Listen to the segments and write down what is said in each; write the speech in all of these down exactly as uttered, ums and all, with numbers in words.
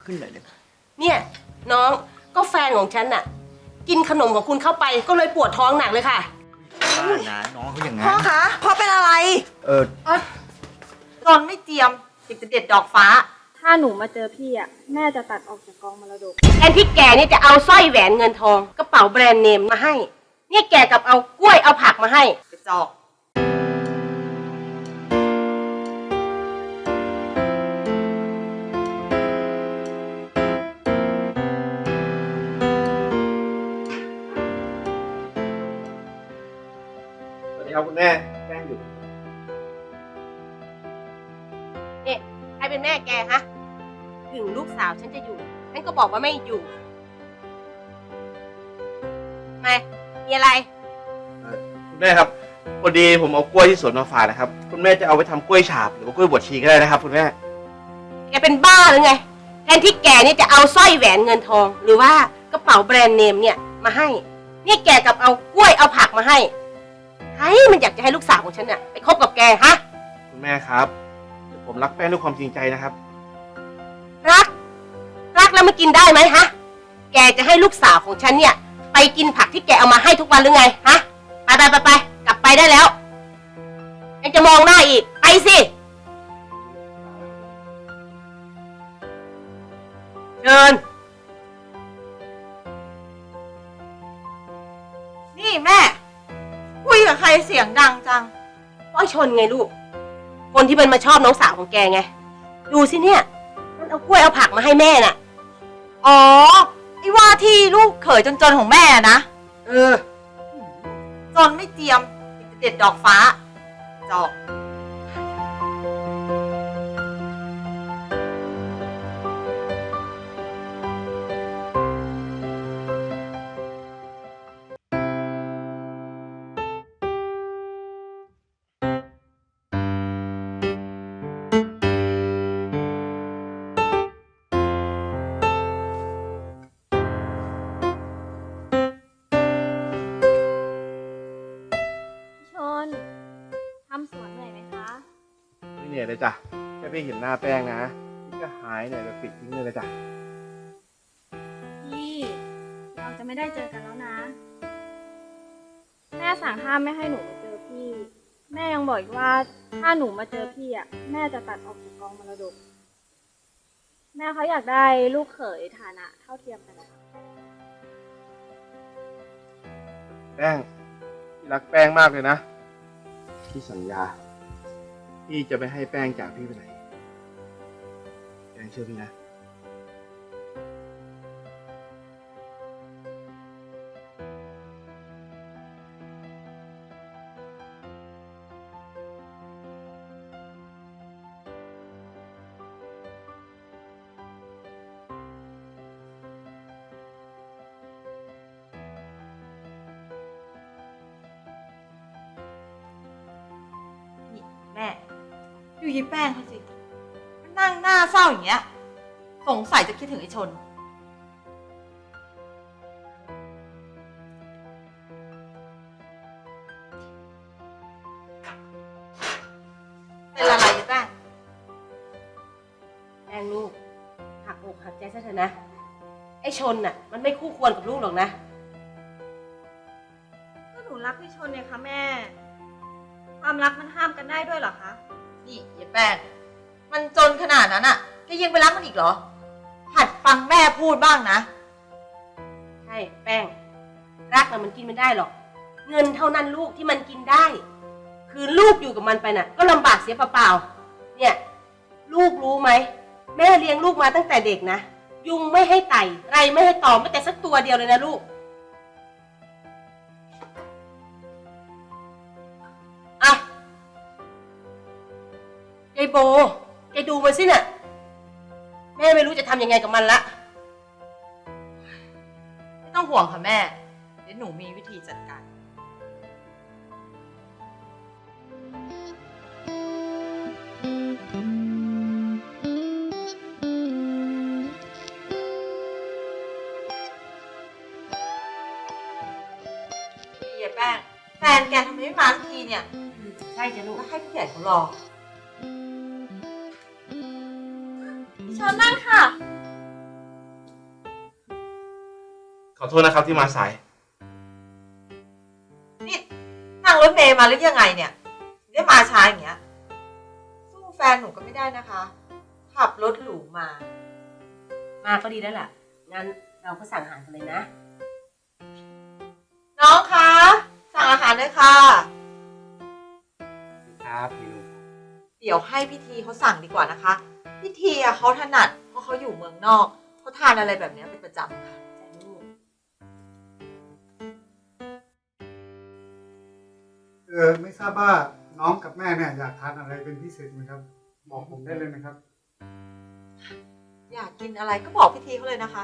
ขึ้นหน่อยเลยเนี่ยน้องก็แฟนของฉันน่ะกินขนมของคุณเข้าไปก็เลยปวดท้องหนักเลยค่ะบ้านะน้องเขาอย่างงั้นพ่อคะพ่อเป็นอะไรเออจอนไม่เจียมอยากจะเด็ดดอกฟ้าถ้าหนูมาเจอพี่อ่ะแม่จะตัดออกจากกองมรดกแทนที่แกนี่จะเอาสร้อยแหวนเงินทองกระเป๋าแบรนด์เนมมาให้เนี่ยแกกับเอากล้วยเอาผักมาให้กระจอกสวัสดีครับคุณแม่แกล้งอยู่เนี่ยใครเป็นแม่แกฮะถึงลูกสาวฉันจะอยู่ฉันก็บอกว่าไม่อยู่มามีอะไรคุณแม่ครับพอดีผมเอากล้วยที่สวนมาฝากนะครับคุณแม่จะเอาไปทำกล้วยฉาบหรือว่ากล้วยบวชชีก็ได้นะครับคุณแม่แกเป็นบ้าหรือไงแทนที่แกนี่จะเอาสร้อยแหวนเงินทองหรือว่ากระเป๋าแบรนด์เนมเนี่ยมาให้เนี่ยแกกับเอากล้วยเอาผักมาให้ใครมันอยากจะให้ลูกสาวของฉันเนี่ยไปคบกับแกฮะคุณแม่ครับผมรักแป้งด้วยความจริงใจนะครับรักรักแล้วมันกินได้ไหมฮะแกจะให้ลูกสาวของฉันเนี่ยไปกินผักที่แกเอามาให้ทุกวันหรือไงฮะไปไปไปไปกลับไปได้แล้วยังจะมองหน้าอีกไปสิเชิญนี่แม่คุยกับใครเสียงดังจังป้อยชนไงลูกคนที่มันมาชอบน้องสาวของแกไงดูสิเนี่ยมันเอากล้วยเอาผักมาให้แม่น่ะอ๋อไอ้ว่าที่ลูกเขยจนๆของแม่นะเออจอนไม่เจียมอยากจะเด็ดดอกฟ้าจอกทำสวนเหนื่อยไหมคะไม่เหนื่อยเลยจ้ะแค่พี่เห็นหน้าแป้งนะพี่ก็หายเหนื่อยแบบปิดทิ้งเลยจ้ะพี่เราจะไม่ได้เจอกันแล้วนะแม่สั่งห้ามไม่ให้หนูมาเจอพี่แม่ยังบอกอีกว่าถ้าหนูมาเจอพี่อ่ะแม่จะตัดออกจากกองมรดกแม่เขาอยากได้ลูกเขยฐานะเท่าเทียมกันแป้งพี่รักแป้งมากเลยนะพี่สัญญาพี่จะไม่ให้แป้งจากพี่ไปไหนแป้งเชื่อพี่นะแม่ดูยีแป้งเขาสิมันนั่งหน้าเศร้าอย่างเงี้ยสงสัยจะคิดถึงไอ้ชนเป็นอะไรยีแป้งแป้งลูกหักอกหักใจซะเถอะนะไอ้ชนน่ะมันไม่คู่ควรกับลูกหรอกนะก็หนูรักพี่ชนเนี่ยค่ะแม่ความรักมันห้ามกันได้ด้วยเหรอคะนี่ยีแป้งมันจนขนาดนั้นอะแกยังไปรักมันอีกเหรอหัดฟังแม่พูดบ้างนะใช่แป้งรักน่ะมันกินไม่ได้หรอกเงินเท่านั้นลูกที่มันกินได้คือลูกอยู่กับมันไปน่ะก็ลำบากเสียเปล่าๆเนี่ยลูกรู้ไหมแม่เลี้ยงลูกมาตั้งแต่เด็กนะยุงไม่ให้ไต่ไรไม่ให้ตอมไม่แต่สักตัวเดียวเลยนะลูกอ่ะยายโบแกดูมันสิน่ะแม่ไม่รู้จะทำยังไงกับมันละไม่ต้องห่วงค่ะแม่เดี๋ยวหนูมีวิธีจัดการเย้แป้งแฟนแกทำไมไม่มาทันทีเนี่ยใช่จ้ะลูกแล้วให้พี่ใหญ่เขารอเชิญนั่งค่ะขอโทษนะครับที่มาสายนี่นั่งรถเมย์มาหรือยังไงเนี่ยถึงได้มาช้าอย่างเงี้ย สู้แฟนหนูก็ไม่ได้นะคะ ขับรถหรูมามาก็ดีแล้วล่ะ งั้นเราก็สั่งอาหารกันเลยนะน้องคะสั่งอาหารเลยค่ะครับเมนูเดี๋ยวให้พี่ทีเขาสั่งดีกว่านะคะพี่ทีอะเขาถนัดเพราะเขาอยู่เมืองนอกเขาทานอะไรแบบเนี้ยเป็นประจำค่ะแต่ลูกเออไม่ทราบว่าน้องกับแม่เนี่ยอยากทานอะไรเป็นพิเศษไหมครับ บอกผมได้เลยนะครับอยากกินอะไรก็บอกพี่ทีเขาเลยนะคะ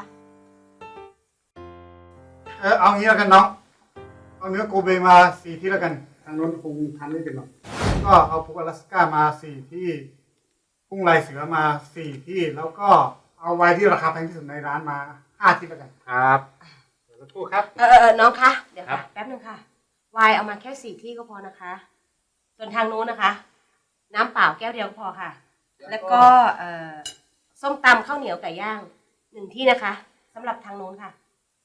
เออเอางี้แล้วกันน้องเอาเนื้อโกเบมาสี่ที่แล้วกันทางโน้นคงทานไม่เป็นหรอกก็เอาพวกอลาสก้ามาสี่ที่กุ้งลายเสือมาสี่ที่แล้วก็เอาไวน์ที่ราคาแพงที่สุดในร้านมาห้าที่แล้วกันครับเดี๋ยวสักครู่ครับเออเออเออน้องคะ เดี๋ยวครัค่ะบแป๊บหนึ่งค่ะ ไวน์เอามาแค่สี่ที่ก็พอนะคะ ส่วนทางนู้นนะคะ น้ำเปล่าแก้วเดียวก็พอค่ะ แล้วก็เอ่อส้มตำข้าวเหนียวไก่ย่างหนึ่งที่นะคะสำหรับทางนู้นค่ะ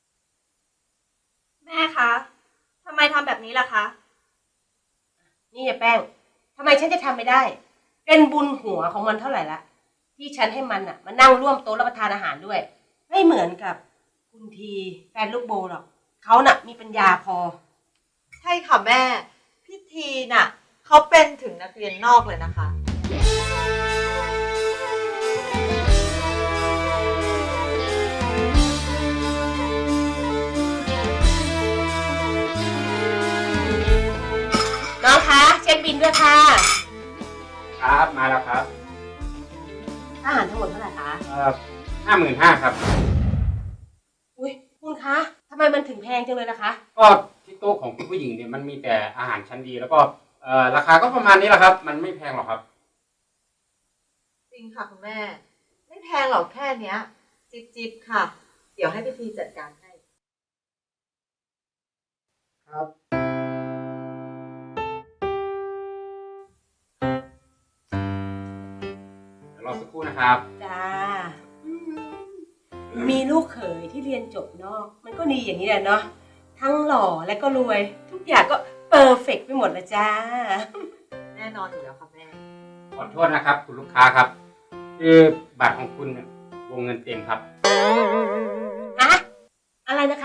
แม่คะทำไมทำแบบนี้ล่ะคะนี่ยายแป้งทำไมฉันจะทำไม่ได้ เป็นบุญหัวของมันเท่าไหร่ละ ที่ฉันให้มันอ่ะมานั่งร่วมโต๊ะรับประทานอาหารด้วย ไม่เหมือนกับคุณทีแฟนลูกโบหรอกเขาน่ะมีปัญญาพอใช่ค่ะแม่พี่ทีน่ะเขาเป็นถึงนักเรียนนอกเลยนะคะน้องคะเช็คบินด้วยค่ะครับมาแล้วครับอาหารทั้งหมดเท่าไหร่คะเอ่อห้าหมื่นห้าครับอุ้ยคุณคะทำไมมันถึงแพงจังเลยล่ะคะก็ที่โต๊ะของคุณผู้หญิงเนี่ยมันมีแต่อาหารชั้นดี แล้วก็เอ่อราคาก็ประมาณนี้แหละครับ มันไม่แพงหรอกครับจริงค่ะคุณแม่ ไม่แพงหรอกแค่เนี้ย จิบจิบๆค่ะ เดี๋ยวให้พี่ทีจัดการให้ครับเดี๋ยวรอสักครู่นะครับจ้า มีลูกเขยที่เรียนจบนอก มันก็ดีอย่างนี้แหละเนาะ ทั้งหล่อและก็รวย ทุกอย่างก็เปอร์เฟกต์ไปหมดเลยจ้าแน่นอนอยู่แล้วค่ะแม่ขอโทษนะครับ คุณลูกค้าครับ คือบัตรของคุณเนี่ยวงเงินเต็มครับฮะ อะไรนะคะ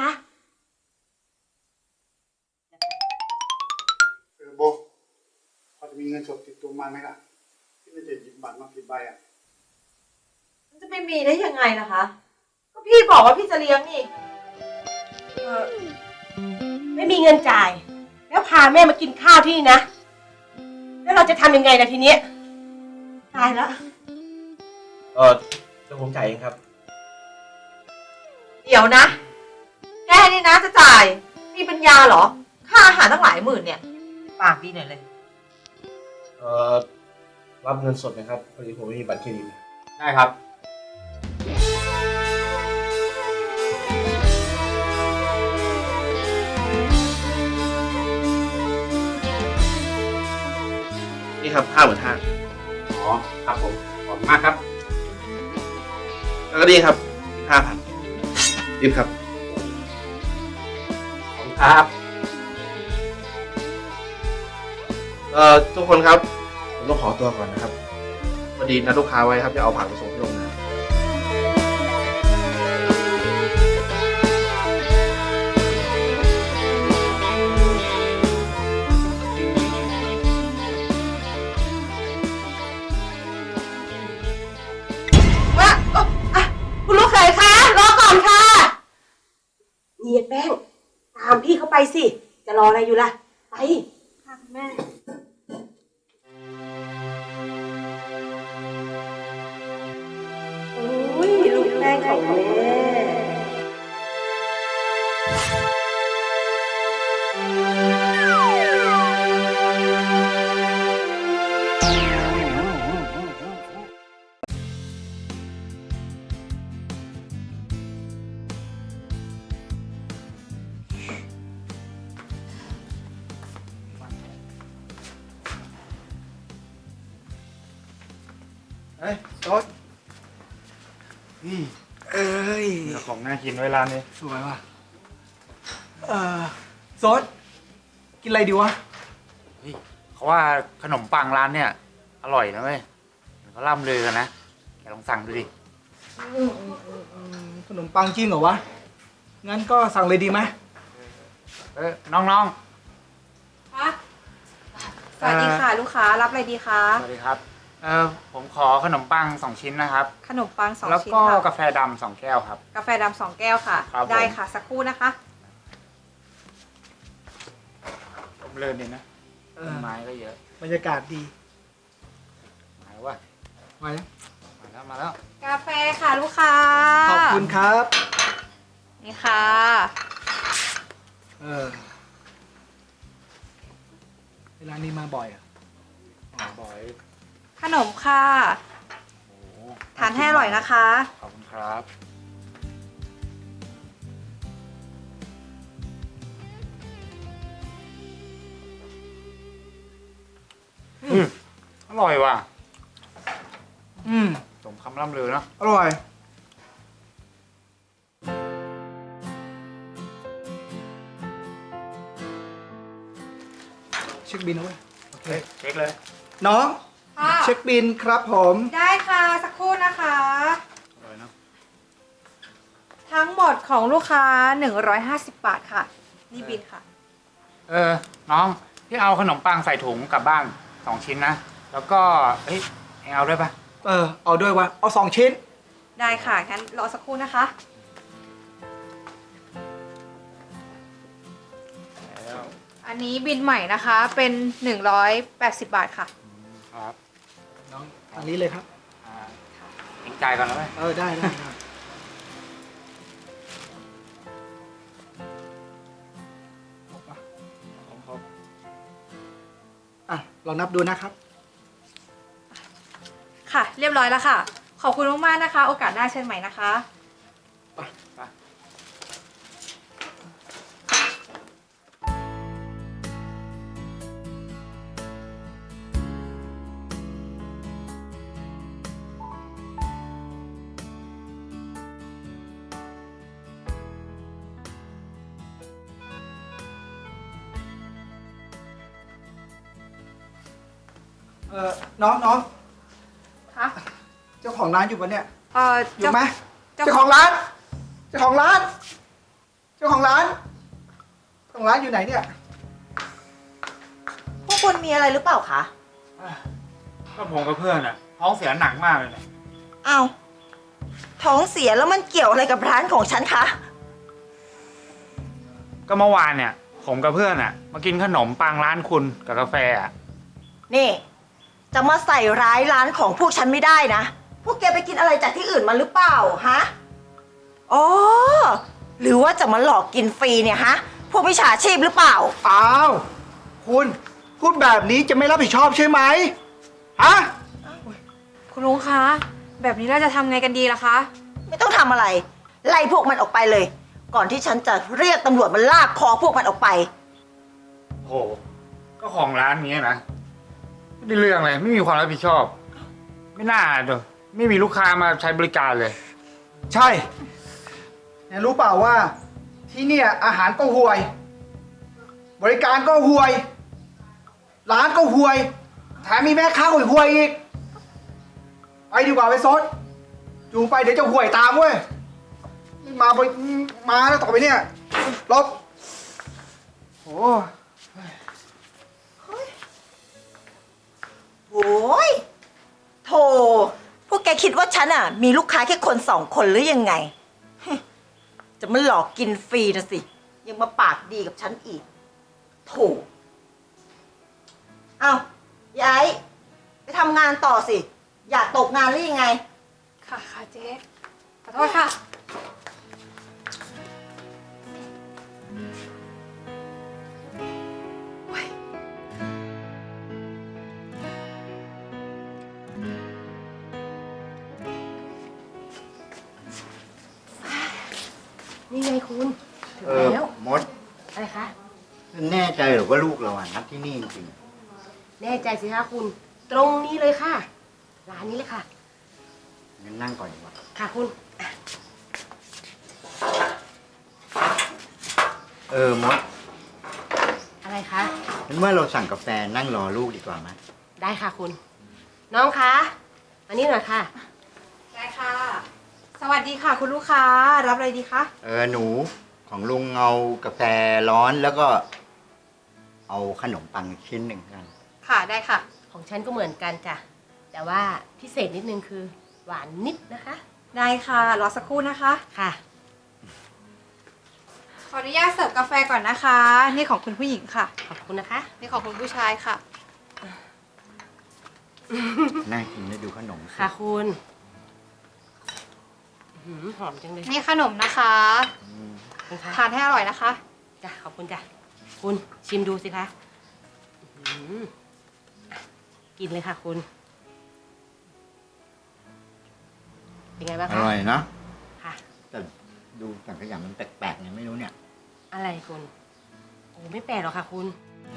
เออโบพอจะมีเงินสดติดตัวมาไหมล่ะที่ไม่ได้หยิบบัตรมาผิดใบอ่ะมันจะไม่มีได้ยังไงนะคะ ก็พี่บอกว่าพี่จะเลี้ยงนี่เออไม่มีเงินจ่าย แล้วพาแม่มากินข้าวที่นี่นะ แล้วเราจะทำยังไงล่ะทีเนี้ยตายแล้วเออเดี๋ยวผมจ่ายเองครับเดี๋ยวนะ แกนี่นะจะจ่าย มีปัญญาเหรอ ค่าอาหารตั้งหลายหมื่นเนี่ย ปากดีหน่อยเลยเออรับเงินสดไหมครับพอดีผมไม่มีบัตรเครดิตได้ครับนี่ครับห้าหมื่นห้าอ๋อ ครับผม ขอบคุณมากครับแล้วก็นี่ครับห้าพันรีบครับขอบคุณครับเอ่อทุกคนครับ ผมต้องขอตัวก่อนนะครับพอดีนัดลูกค้าไว้ครับจะเอาผักไปส่งที่โรงงานว่าเอ่ออ่ะคุณลูกเขยคะรอก่อนค่ะนี่ยายแป้ง ตามพี่เขาไปสิ จะรออะไรอยู่ล่ะ ไปค่ะคุณแม่อุ้ยลูกแป้งของแม่เฮ้ยโต๊ดนี่ เอ้ยของน่ากินไว้ร้านนี้สวยว่ะเอ่อโซดกินอะไรดีวะเฮ้ยเขาว่าขนมปังร้านเนี่ย อร่อยนะเว้ยเขาล่ำลือกันนะแกลองสั่งดูดิขนมปังจริงเหรอวะ งั้นก็สั่งเลยดีไหมเออน้องคะสวัสดีค่ะ ลูกค้ารับอะไรดีคะๆ สวัสดีครับ เออผมขอขนมปังสองชิ้นนะครับขนมปังสองแล้วชิ้นก็ค่ะกาแฟดำสองแก้วครับกาแฟดำสองแก้วค่ะครับผมได้ค่ะสักครู่นะคะผมเลินดีนะเอต้อนไม้ก็เยอะบรรยากาศดีมาแล้วว่ะมาแล้วมาแล้วมาแล้วกาแฟค่ะลูกค้าขอบคุณครับนี่ค่ะเออเวลานี้มาบ่อยเหรอ่ะอ๋อบ่อยขนมค่ะโอ้ทานให้อร่อยนะคะขอบคุณครับอืมอร่อยว่ะอืมสมคำล่ำลือเนาะอร่อย เช็คบินนะเว้ย โอเคเฮ้ยเช็คเลยน้องค่ะเช็คบินครับผมได้ค่ะสักครู่นะคะอร่อยเนาะทั้งหมดของลูกค้า หนึ่งร้อยห้าสิบ บาทค่ะ นี่บินค่ะเออ น้องพี่เอาขนมปังใส่ถุงกลับบ้านสองชิ้นนะ แล้วก็เฮ้ยเองเอาด้วยปะเออ เอาด้วยวะ เอาสองชิ้นได้ค่ะ งั้นรอสักครู่นะคะแล้วอันนี้บินใหม่นะคะ เป็น หนึ่งร้อยแปดสิบ บาทค่ะครับน้องทางนี้เลยครับอ่าเองจ่ายก่อนแล้วไหมเออ ได้ได้ได้ครบปะผมครบอ่ะ ลองนับดูนะครับค่ะ เรียบร้อยแล้วค่ะ ขอบคุณมากๆนะคะ โอกาสหน้าเชิญใหม่นะคะไปเออน้องน้องคะเจ้าของร้านอยู่ปะเนี่ยเอ่ออยู่ไหมเจ้าเจ้าของร้าน เจ้าของร้าน เจ้าของร้าน เจ้าของร้านอยู่ไหนเนี่ยพวกคุณมีอะไรหรือเปล่าคะก็ผมกับเพื่อนอะท้องเสียหนักมากเลยเนี่ยอ้าว ท้องเสียแล้วมันเกี่ยวอะไรกับร้านของฉันคะก็เมื่อวานเนี่ย ผมกับเพื่อนอะมากินขนมปังร้านคุณกับกาแฟอะนี่ จะมาใส่ร้ายร้านของพวกฉันไม่ได้นะ พวกแกไปกินอะไรจากที่อื่นมาหรือเปล่าฮะ อ๋อ หรือว่าจะมาหลอกกินฟรีเนี่ยฮะ พวกมิจฉาชีพหรือเปล่าอ้าว คุณ พูดแบบนี้จะไม่รับผิดชอบใช่ไหมฮะคุณลุงคะ แบบนี้เราจะทำไงกันดีล่ะคะไม่ต้องทำอะไร ไล่พวกมันออกไปเลย ก่อนที่ฉันจะเรียกตำรวจมาลากคอพวกมันออกไปโห ก็ของร้านนี้นะไม่ได้เรื่องเลยไม่มีความรับผิดชอบ ไม่น่าเด้อไม่มีลูกค้ามาใช้บริการเลยใช่เนี่ยรู้เปล่าว่า ที่เนี่ยอาหารก็ห่วย บริการก็ห่วย ร้านก็ห่วย แถมมีแม่ค้าห่วยห่วยๆอีก ไปดีกว่าไปซดจูงไปเดี๋ยวจะห่วยตามเว้ยนี่มาบริมาแล้วต่อไปเนี่ยลบโอ้โอ้ยโธ่พวกแกคิดว่าฉันอ่ะ มีลูกค้าแค่คนสองคนหรือยังไง จะมาหลอกกินฟรีนะสิ ยังมาปากดีกับฉันอีก โถเอายายไปทำงานต่อสิ อยากตกงานหรือยังไงค่ะค่ะเจ๊ขอโทษค่ะนี่ไงคุณถึงเออแล้วมดอะไรคะแน่ใจหรือว่าลูกเราอ่ะนัดที่นี่จริงแน่ใจสิคะคุณ ตรงนี้เลยค่ะ ร้านนี้เลยค่ะๆงั้นนั่งก่อนดีกว่าค่ะคุณเอเออมดอะไรคะฉันว่าเราสั่งกาแฟนั่งรอลูกดีกว่าไหมได้ค่ะคุณ น้องคะมานี่หน่อยค่ะได้ค่ะ สวัสดีค่ะ คุณลูกค้า รับอะไรดีคะเออหนูของลุงเอากาแฟร้อนแล้วก็เอาขนมปังชิ้นหนึ่งกันค่ะ ได้ค่ะของฉันก็เหมือนกันจ้ะ แต่ว่าพิเศษนิดนึงคือ หวานนิดนะคะได้ค่ะ รอสักครู่นะคะค่ะขออนุญาตเสิร์ฟกาแฟก่อนนะคะ นี่ของคุณผู้หญิงค่ะขอบคุณนะคะนี่ของคุณผู้ชายค่ะน่ากินได้ดูขนมสิค่ะคุณอื้อหือหอมจังเลยนี่ขนมนะคะอืมขอบคุณค่ะทานให้อร่อยนะคะจ้ะขอบคุณจ้ะ คุณชิมดูสิคะอื้อหือกินเลยค่ะคุณ เป็นไงบ้างอคะร่อยเนาะค่ะแต่ดูสังขยามันแปลกๆไงไม่รู้เนี่ยอะไรคุณ โอ้ไม่แปลกหรอกค่ะคุณ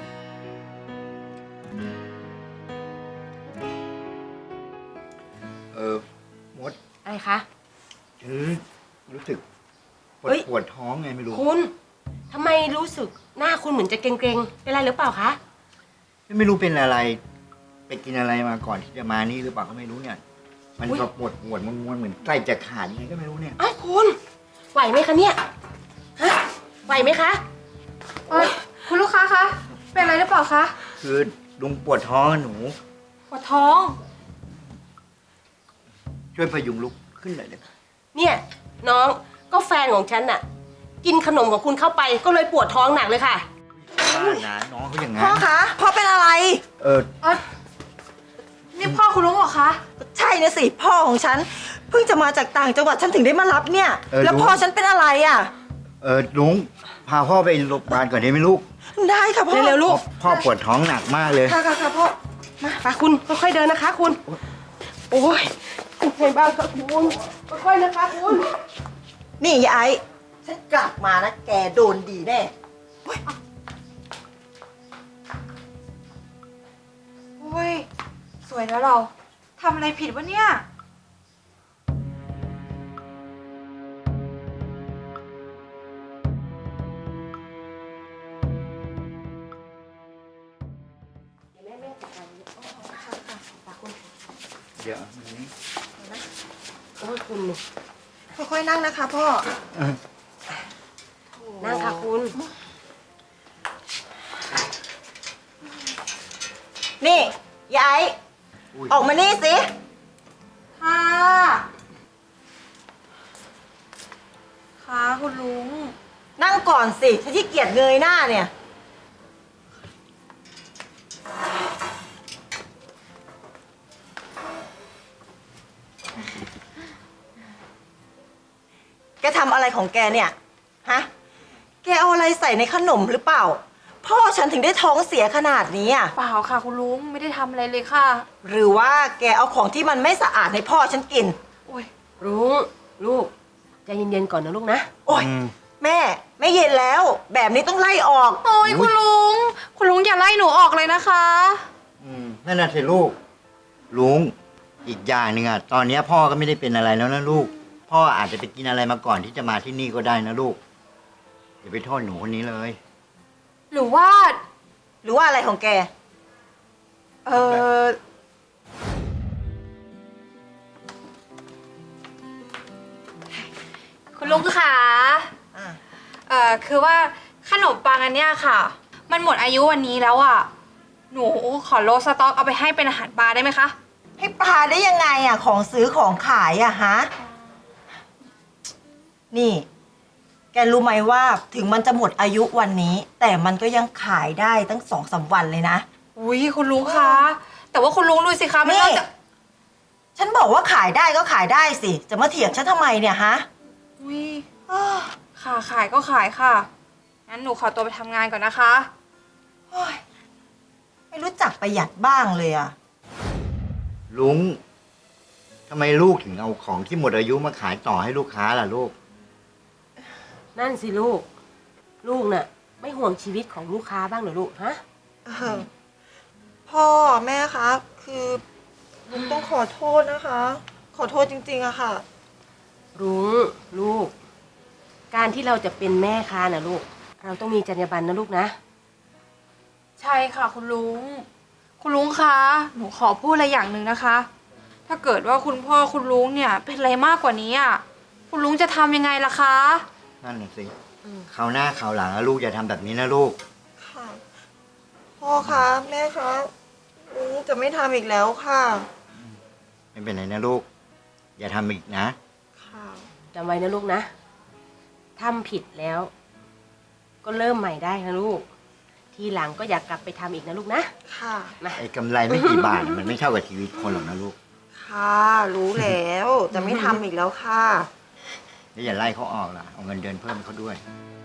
เออมดอะไรคะฉันรู้สึกปวเฮ้ดยปวดท้องไงไม่รู้คุณทำไมรู้สึกหน้าคุณเหมือนจะเกร็งๆ เป็นไรหรือเปล่าคะไม่รู้เป็นอะไร ไปกินอะไรมาก่อนที่จะมานี่หรือเปล่าก็ไม่รู้เนี่ย มันอุ๊ยก็ปวดปวดม้วนๆเหมือนใกล้จะขาดยังไงก็ไม่รู้เนี่ยอ้าวคุณ ไหวไหมคะเนี่ย ฮะ ไหวไหมคะเออคุณลูกค้าคะ เป็นอะไรหรือเปล่าคะคือลุงปวดท้องอะหนูปวดท้องช่วยพยุงลุกขึ้นหน่อยเลยเนี่ยน้องก็แฟนของฉันน่ะ กินขนมของคุณเข้าไปก็เลยปวดท้องหนักเลยค่ะป้านะน้องเขาอย่างพ่อนั้นคะพ่อเป็นอะไรเออเออนี่พ่อคุณลุงเหรอคะใช่นะสิพ่อของฉัน เพิ่งจะมาจากต่างจังหวัดฉันถึงได้มารับเนี่ย แล้วพ่อฉันเป็นอะไรอ่ะเออลุงพาพ่อไปโรงพยาบาลก่อนได้ไหมลูกได้ค่ะพ่อเร็วๆลูกพ่อพ่อปวดท้องหนักมากเลยค่ะค่ะค่ะพ่อมาไปคุณค่อยๆเดินนะคะ คุณ โอ้ยเป็นไงบ้างคะคุณค่อยๆนะคะคุณนี่ยายฉันกลับมานะแกโดนดีแน่โอ้ย สวยแล้วเรา ทำอะไรผิดวะเนี่ยเดี๋ยวแม่แม่จัดการโอ้ค่ะค่ะตาคุณเดี๋ยวอันนี้โอ้ยคุณค่อยๆนั่งนะคะพ่อเออนั่งค่ะคุณนี่ยายอุ้ยออกมานี่สิค่ะ ค่ะคุณลุงนั่งก่อนสิฉันที่เกียจเงยหน้าเนี่ย แกทำอะไรของแกเนี่ย ฮะ แกเอาอะไรใส่ในขนมหรือเปล่า พ่อฉันถึงได้ท้องเสียขนาดนี้อ่ะเปล่าค่ะคุณลุง ไม่ได้ทำอะไรเลยค่ะหรือว่าแกเอาของที่มันไม่สะอาดให้พ่อฉันกินโอ้ยรุ้งลูกใจเย็นๆก่อนนะลูกนะโอ๊ยอืมแม่ไม่เย็นแล้ว แบบนี้ต้องไล่ออกโอ้ยคุณลุง คุณลุงอย่าไล่หนูออกเลยนะคะอืมนั่นน่ะสิลูก ลุง อีกอย่างหนึ่งอ่ะ ตอนเนี้ยพ่อก็ไม่ได้เป็นอะไรแล้วนะลูก พ่ออาจจะไปกินอะไรมาก่อนที่จะมาที่นี่ก็ได้นะลูก อย่าไปโทษหนูคนนี้เลยหรือว่าหรือว่าอะไรของแกเออคุณลุงค่ะอ่ะเอ่อ คือว่าขนมปังอันเนี้ยค่ะ มันหมดอายุวันนี้แล้วอ่ะ หนูขอโลสต็อกเอาไปให้เป็นอาหารปลาได้ไหมคะให้ปลาได้ยังไงอ่ะ ของซื้อของขายอ่ะฮะ นี่ แกรู้ไหมว่าถึงมันจะหมดอายุวันนี้ แต่มันก็ยังขายได้ตั้งสองสามวันเลยนะอุ้ยคุณลุงคะ แต่ว่าคุณลุงดูสิคะมันนี่นอกจากฉันบอกว่าขายได้ก็ขายได้สิ จะมาเถียงฉันทำไมเนี่ยฮะอุ้ยอ้อค่ะขายก็ขายค่ะ งั้นหนูขอตัวไปทำงานก่อนนะคะโอ๊ยไม่รู้จักประหยัดบ้างเลยอ่ะลุงทำไมลูกถึงเอาของที่หมดอายุมาขายต่อให้ลูกค้าล่ะลูกนั่นสิลูก ลูกน่ะ ไม่ห่วงชีวิตของลูกค้าบ้างเหรอลูกฮะเออพ่อแม่คะคือลุงต้องขอโทษนะคะ ขอโทษจริงๆอะค่ะรุ้งลูก การที่เราจะเป็นแม่ค้านะลูกเราต้องมีจรรยาบรรณนะลูกนะใช่ค่ะคุณลุง คุณลุงคะ หนูขอพูดอะไรอย่างหนึ่งนะคะ ถ้าเกิดว่าคุณพ่อคุณลุงเนี่ยเป็นอะไรมากกว่านี้อ่ะ คุณลุงจะทำยังไงล่ะคะนั่นน่ะสิอืมคราวหน้าคราวหลังอะลูกอย่าทำแบบนี้นะลูกค่ะ พ่อคะแม่คะลุงจะไม่ทำอีกแล้วค่ะไม่เป็นไรนะลูก อย่าทำอีกนะค่ะจำไว้นะลูกนะทำผิดแล้ว ก็เริ่มใหม่ได้นะลูก ทีหลังก็อย่ากกลับไปทำอีกนะลูกนะค่ะมาไอ้กำไรไม่กี่บาท มันไม่เท่ากับชีวิตคนหรอกนะลูกค่ะ รู้แล้ว จะไม่ทำอีกแล้วค่ะแล้วอย่าไล่เขาออกล่ะ เอาเงินเดือนเพิ่มให้เขาด้วยอ